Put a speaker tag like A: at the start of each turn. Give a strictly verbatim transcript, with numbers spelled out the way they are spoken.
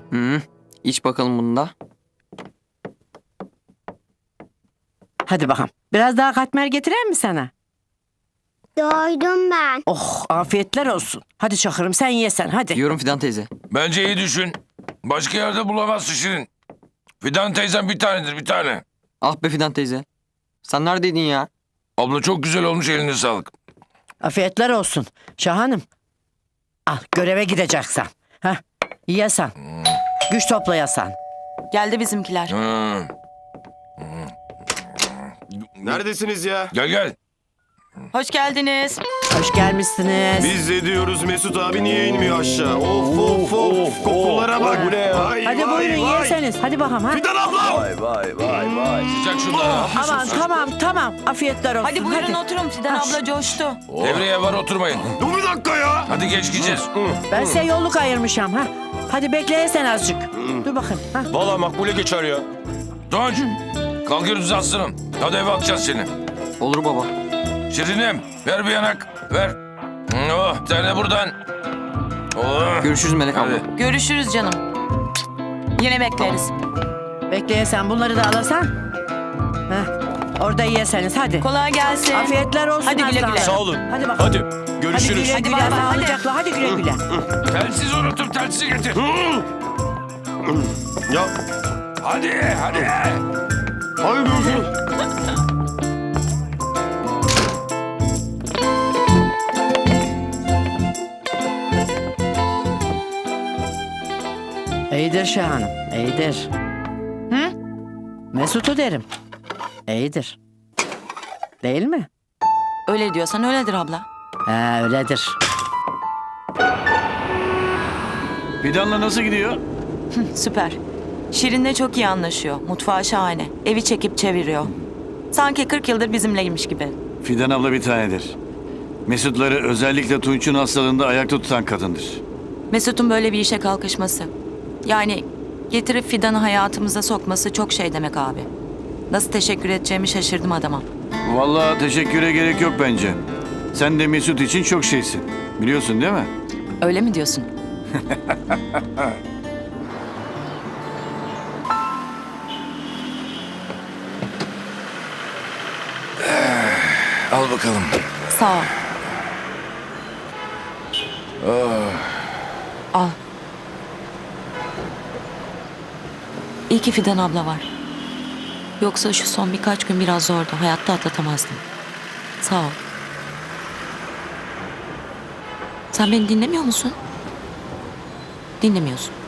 A: Hı, iç bakalım bunu da.
B: Hadi bakalım. Biraz daha katmer getirer mi sana?
C: Doydum ben.
B: Oh, afiyetler olsun. Hadi Çakır'ım sen yesen hadi.
A: Yiyorum Fidan teyze.
D: Bence iyi düşün. Başka yerde bulamazsın Şirin. Fidan teyzem bir tanedir bir tane.
A: Ah be Fidan teyze. Sen neredeydin ya?
D: Abla çok güzel olmuş, eline sağlık.
B: Afiyetler olsun. Şahanım. Al göreve gideceksen. Heh, yesen. Güç toplayasan.
E: Geldi bizimkiler.
D: Hı.
F: Neredesiniz ya?
D: Gel gel.
E: Hoş geldiniz.
B: Hoş gelmişsiniz.
F: Biz de diyoruz Mesut abi niye inmiyor aşağı? Of of of. Kokulara bak. Bu ne ya? Vay,
B: Hadi
F: vay,
B: buyurun
F: vay.
B: yeseniz. Hadi bakalım ha.
F: Fidan abla.
D: Sıcak şunları.
B: Aman tamam tamam. Afiyetler olsun.
E: Hadi buyurun oturun. Fidan abla coştu.
D: Devreye var, oturmayın.
F: Dur bir dakika ya.
D: Hadi geç gideceğiz.
B: Ben size yolluk ayırmışım ha. Hadi bekleyesen azıcık. Dur bakın. Ha.
F: Valla makbule geçer ya.
D: Tunç. Kalkıyoruz aslanım. Hadi eve atacağız seni.
A: Olur baba.
D: Şirinim ver bir yanak. Ver. Oh, sen de buradan. Oh.
A: Görüşürüz Melek abla.
D: Hadi.
E: Görüşürüz canım. Yine bekleriz.
B: Bekleyesen bunları da alasan. Heh. Orada yeseniz hadi.
E: Kolay gelsin.
B: Afiyetler olsun
E: Hadi güle güle.
B: aslanlarım.
F: Sağ olun.
B: Hadi bakalım.
F: Hadi.
B: Hadi
F: Görüşürüz.
B: güle
E: Hadi
B: güle.
E: bay bay, hadi.
B: Sağlıcakla. Hadi güle güle.
D: Telsiz unuttum, telsizi getir.
F: Ya.
D: Hadi, hadi.
F: Hadi görüşürüz.
B: İyidir Şahanım. İyidir.
E: Hı?
B: Mesut'u derim. İyidir. Değil mi?
E: Öyle diyorsan öyledir abla.
B: Ha öyledir.
G: Fidan'la nasıl gidiyor?
E: Süper. Şirin'le çok iyi anlaşıyor. Mutfağı şahane. Evi çekip çeviriyor. Sanki kırk yıldır bizimleymiş gibi.
G: Fidan abla bir tanedir. Mesutları özellikle Tunç'un hastalığında ayakta tutan kadındır.
E: Mesut'un böyle bir işe kalkışması. Yani getirip Fidan'ı hayatımıza sokması çok şey demek abi. Nasıl teşekkür edeceğimi şaşırdım adama.
G: Vallahi teşekküre gerek yok bence. Sen de Mesut için çok şeysin. Biliyorsun değil mi?
E: Öyle mi diyorsun?
D: Al bakalım.
E: Sağ ol. Al. İyi ki Fidan abla var. Yoksa şu son birkaç gün biraz zordu. Hayatta atlatamazdım. Sağ ol. Sen beni dinlemiyor musun? Dinlemiyorsun.